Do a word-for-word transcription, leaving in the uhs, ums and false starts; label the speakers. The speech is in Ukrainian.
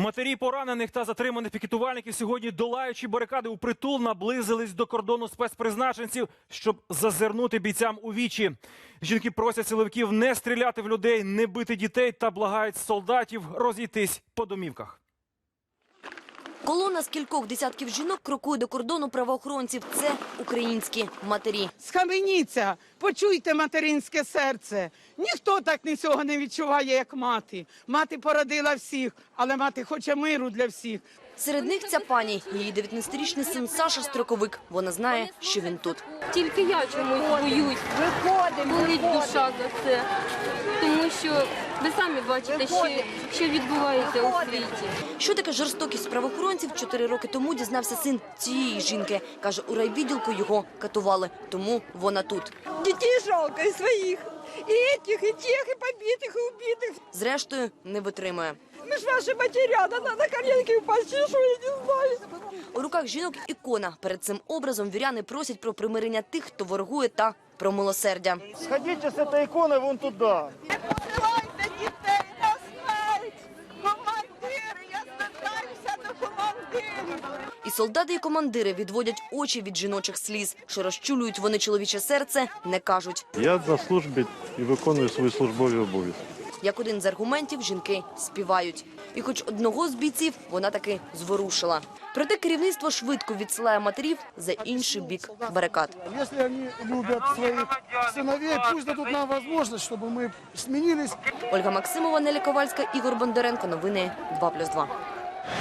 Speaker 1: Матері поранених та затриманих пікетувальників сьогодні, долаючи барикади у притул, наблизились до кордону спецпризначенців, щоб зазирнути бійцям у вічі. Жінки просять силовиків не стріляти в людей, не бити дітей та благають солдатів розійтись по домівках.
Speaker 2: Колона з кількох десятків жінок крокує до кордону правоохоронців. Це українські матері.
Speaker 3: Схаменіться, почуйте материнське серце. Ніхто так нічого не відчуває, як мати. Мати породила всіх, але мати хоче миру для всіх.
Speaker 2: Серед них ця пані, її дев'ятнадцятирічний син Саша строковик. Вона знає, що він тут.
Speaker 4: Тільки я чомусь боюсь. Виходимо, болить душа за це. Тому що ви самі бачите, що, що відбувається у світі.
Speaker 2: Що таке жорстокість правоохоронців, чотири роки тому дізнався син цієї жінки. Каже, у райвідділку його катували, тому вона тут.
Speaker 5: Дітей жалко, і своїх, і тих, і тих, і побитих, і убитих.
Speaker 2: Зрештою, не витримує.
Speaker 5: Ми ж ваші матеря, надо на коленки впасти, що я не знаю.
Speaker 2: У руках жінок ікона. Перед цим образом віряни просять про примирення тих, хто ворогує, та про милосердя.
Speaker 6: Сходіть з цієї ікони вон туди.
Speaker 5: Не посилайте дітей на смерть. Командири, я звертаюся до командирів.
Speaker 2: І солдати, і командири відводять очі від жіночих сліз. Що розчулюють вони чоловіче серце, не кажуть.
Speaker 7: Я на службі і виконую свої службові обов'язки.
Speaker 2: Як один з аргументів, жінки співають. І хоч одного з бійців вона таки зворушила. Проте керівництво швидко відсилає матерів за інший бік барикад.
Speaker 8: Якщо вони люблять своїх синовей, пусть дадуть нам можливість, щоб ми змінились.
Speaker 2: Ольга Максимова, Неля Ковальська, Ігор Бондаренко. Новини два плюс два.